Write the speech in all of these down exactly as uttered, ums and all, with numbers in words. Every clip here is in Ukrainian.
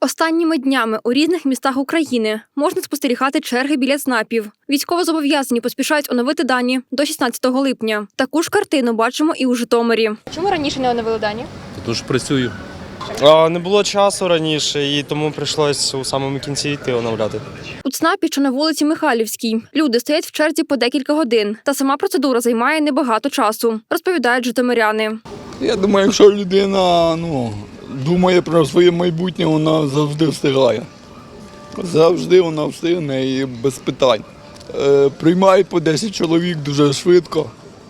Останніми днями у різних містах України можна спостерігати черги біля ЦНАПів. Військовозобов'язані поспішають оновити дані до шістнадцятого липня. Таку ж картину бачимо і у Житомирі. Чому раніше не оновили дані? Тож працюю. А, не було часу раніше, і тому прийшлось у самому кінці йти оновляти. У ЦНАПі, що на вулиці Михайлівській, люди стоять в черзі по декілька годин. Та сама процедура займає небагато часу, розповідають житомиряни. Я думаю, якщо людина ну, думає про своє майбутнє, вона завжди встигає. Завжди вона встигне і без питань. Е, приймають по десять чоловік дуже швидко.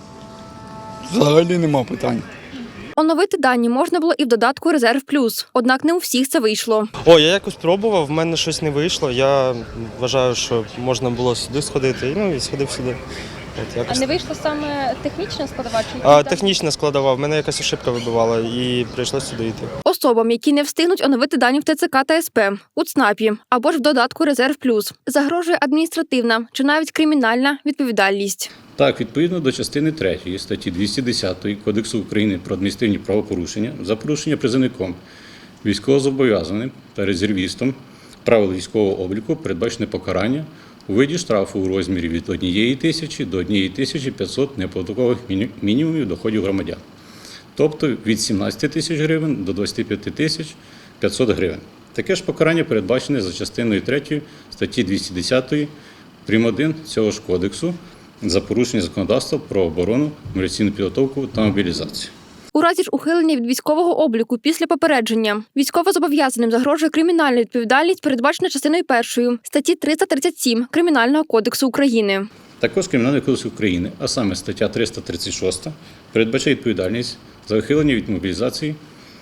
Взагалі нема питань. Оновити дані можна було і в додатку «Резерв плюс», однак не у всіх це вийшло. О, я якось пробував, в мене щось не вийшло. Я вважаю, що можна було сюди сходити, ну і сходив сюди. От, якось. А не вийшло саме технічна складова? Чи А, технічна складова, в мене якась ошибка вибивала і прийшлось сюди йти. Особам, які не встигнуть оновити дані в ТЦК та СП, у ЦНАПі або ж в додатку «Резерв плюс», загрожує адміністративна чи навіть кримінальна відповідальність. Так, відповідно до частини третьої статті двісті десять Кодексу України про адміністративні правопорушення за порушення призовником, військовозобов'язаним та резервістом правил військового обліку передбачене покарання у виді штрафу у розмірі від однієї тисячі до однієї тисячі п'ятсот неоподаткових мінімумів доходів громадян, тобто від сімнадцяти тисяч гривень до двадцяти п'яти тисяч п'ятсот гривень. Таке ж покарання передбачене за частиною третьої статті двісті десять прим. один цього ж кодексу за порушення законодавства про оборону, мобілізаційну підготовку та мобілізацію. У разі ж ухилення від військового обліку після попередження військовозобов'язаним загрожує кримінальна відповідальність, передбачена частиною першою статті триста тридцять сім Кримінального кодексу України. Також Кримінальний кодекс України, а саме стаття триста тридцять шість, передбачає відповідальність за ухилення від мобілізації,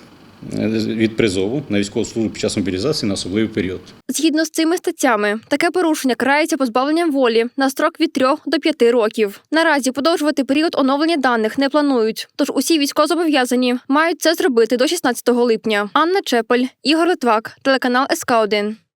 від призову на військову службу під час мобілізації на особливий період. Згідно з цими статтями, таке порушення карається позбавленням волі на строк від трьох до п'яти років. Наразі подовжувати період оновлення даних не планують, тож усі військовозобов'язані мають це зробити до шістнадцятого липня. Анна Чепель, Ігор Литвак, телеканал ес ка один.